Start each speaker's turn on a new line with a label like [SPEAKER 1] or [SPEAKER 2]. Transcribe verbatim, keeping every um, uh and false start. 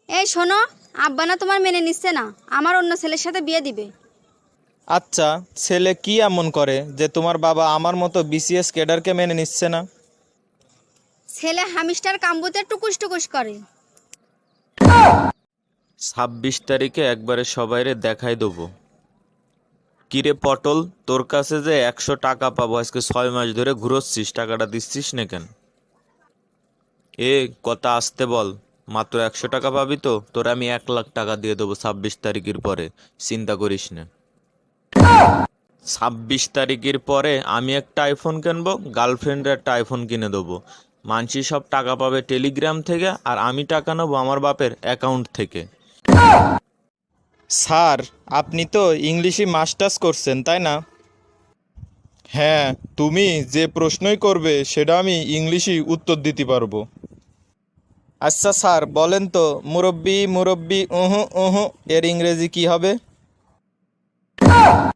[SPEAKER 1] এই শোনো, আব্বা না তোমার মেনে নিচ্ছে না, আমার অন্য ছেলের সাথে বিয়ে দিবে।
[SPEAKER 2] আচ্ছা, ছেলে কি এমন করে যে তোমার বাবা আমার মতো বিসিএস ক্যাডারকে মেনে নিচ্ছে না?
[SPEAKER 1] ছেলে হামিস্টার কাম্বুতে টুকুস টুকুস করে।
[SPEAKER 2] ছাব্বিশ তারিখে একবারে সবাইরে দেখাই দেবো। কিরে পটল, তোর কাছে যে একশো টাকা পাবো, আজকে ছয় মাস ধরে ঘুরোচ্ছিস, টাকাটা দিচ্ছিস না কেন? এ কথা আসতে বল। মাত্র একশো টাকা পাবি তো, তোর আমি এক লাখ টাকা দিয়ে দেবো ছাব্বিশ তারিখের পরে। চিন্তা করিস না। ছাব্বিশ তারিখের পরে আমি একটা আইফোন কিনবো, গার্লফ্রেন্ডের একটা আইফোন কিনে দেবো। মানসি সব টাকা পাবে টেলিগ্রাম থেকে, আর আমি টাকা নেবো আমার বাপের অ্যাকাউন্ট থেকে। স্যার, আপনি তো ইংলিশে মাস্টার্স করছেন তাই না? হ্যাঁ, তুমি যে প্রশ্নই করবে সেটা আমি ইংলিশেই উত্তর দিতে পারবো। আচ্ছা স্যার, বলেন তো মুরব্বি মুরব্বি উহু উহু এর ইংরেজি কি হবে?